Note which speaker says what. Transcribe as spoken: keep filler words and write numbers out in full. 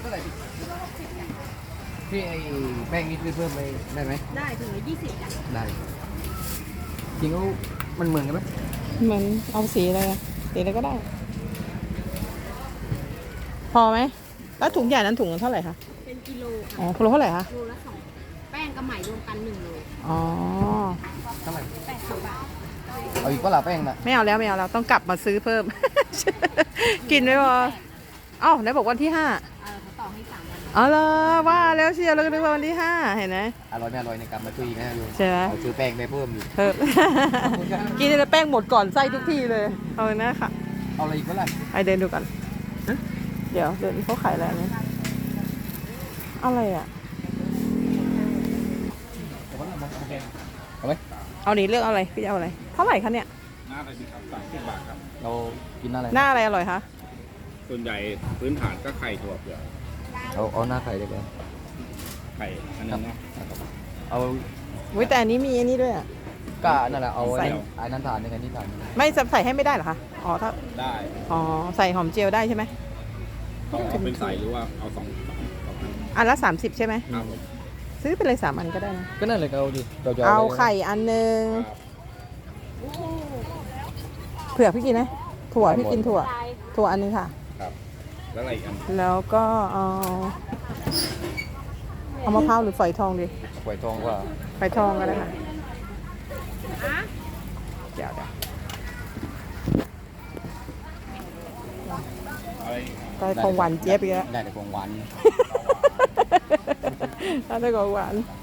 Speaker 1: เท่าไหร่พี่พี่ไอ้แป้งนี่ซื้อเพิ่มไปได้ไหม
Speaker 2: ได้ถึงละยี่สิบจ้ะ
Speaker 1: ได้จริงเขามันเหมือนกันไหม
Speaker 3: เหมือนเอาสีอะไรอะสีอะไรก็ได้ พอไหมแล้วถุงใหญ่นั้นถุงเท่าไหร่คะ
Speaker 2: เป็นกิโล
Speaker 3: อ๋อ
Speaker 2: ค่ะ
Speaker 3: กิโลเท่าไหร่คะ
Speaker 2: โลละสองแป้งกับไหมรวมกันหนึ่งโล
Speaker 3: อ๋อ
Speaker 1: เท่าไหร่
Speaker 2: แปดสิบบาท
Speaker 1: เอาอีกก็หลาแป้งน่ะ
Speaker 3: ไม่เอาแล้วไม่เอาแล้วต้องกลับมาซื้อเพิ่ม กินไม่พอเอ้าไหนบอกวันที่ห้า
Speaker 2: เออเขาต่อให้สามวัน
Speaker 3: อ๋อเหรอว่าแล้วเชียวเราก็นึกว่าวันที่ห้าเห็นไหม
Speaker 1: อร่อยไม่อร่อยในการมาช่วยอีกนะโยม
Speaker 3: ใช่ไหม
Speaker 1: เอาซื้อแป้งไปเพิ่มอยู่
Speaker 3: เพิ่ม กินแล้วแป้งหมดก่อนไส้ทุกทีเลยเอาเลยนะค่ะ
Speaker 1: เอาอะไรอีกก็ได้
Speaker 3: ไปเดินดูกันเดี๋ยวเดินเขาขายอะไรนะอะไรอ่ะ
Speaker 1: เอาไหม
Speaker 3: เอาดิเลือกเอาอะไรพี่จะเอาอะไรเท่าไหร่คะเนี่ย
Speaker 4: หน้าอะไรดีครับสามสิบบาทครับ
Speaker 1: เรากินหน้าอะไร
Speaker 3: หน้าอะไรอร่อยคะ
Speaker 4: ส่วนใหญ่พื้นฐานก็ไข่ถั่วเปลือก
Speaker 1: เอาเอาหน้าไข่ได้ไหม
Speaker 4: ไข่อันนึงนะ
Speaker 1: เอา
Speaker 3: วิแต่อันนี้มีอันนี้ด้วยอ่ะ
Speaker 1: ก็นั่นแหละเอา
Speaker 3: ใส่
Speaker 1: ไอ้นั่นทานในกันนี่ทาน
Speaker 3: ไม่ใส่ให้ไม่ได้เหรอคะอ๋อถ้า
Speaker 4: ได้
Speaker 3: อ๋อใส่หอมเจียวได้ใช่ไหม
Speaker 4: ต้องเอาเป็นใส่หรือว่าเอาสองสองสองอัน
Speaker 3: อันละสามสิบใช่ไหม
Speaker 4: ครับผม
Speaker 3: ซื้อไปเลยสามอันก็ได้นะ
Speaker 1: ก็นั่นเลยเอาดิเราจะ
Speaker 3: เอาไข่อันหนึ่งเผื่อพี่กินไหมถั่วพี่กินถั่วถั่วอันนึงค่ะ
Speaker 4: ครับแล้วอะไรอีกอัน
Speaker 3: แล้วก็เอาเอามะพร้าวหรือฝอยทองดี
Speaker 1: ฝอยทองว่า
Speaker 3: ฝอยทองก็ได้ค่ะเดี๋ยวเดี๋ยวได้ของหวานเจี๊ยบอีกแล้ว
Speaker 1: ได้แต่ของหวาน
Speaker 3: ได้ของหวาน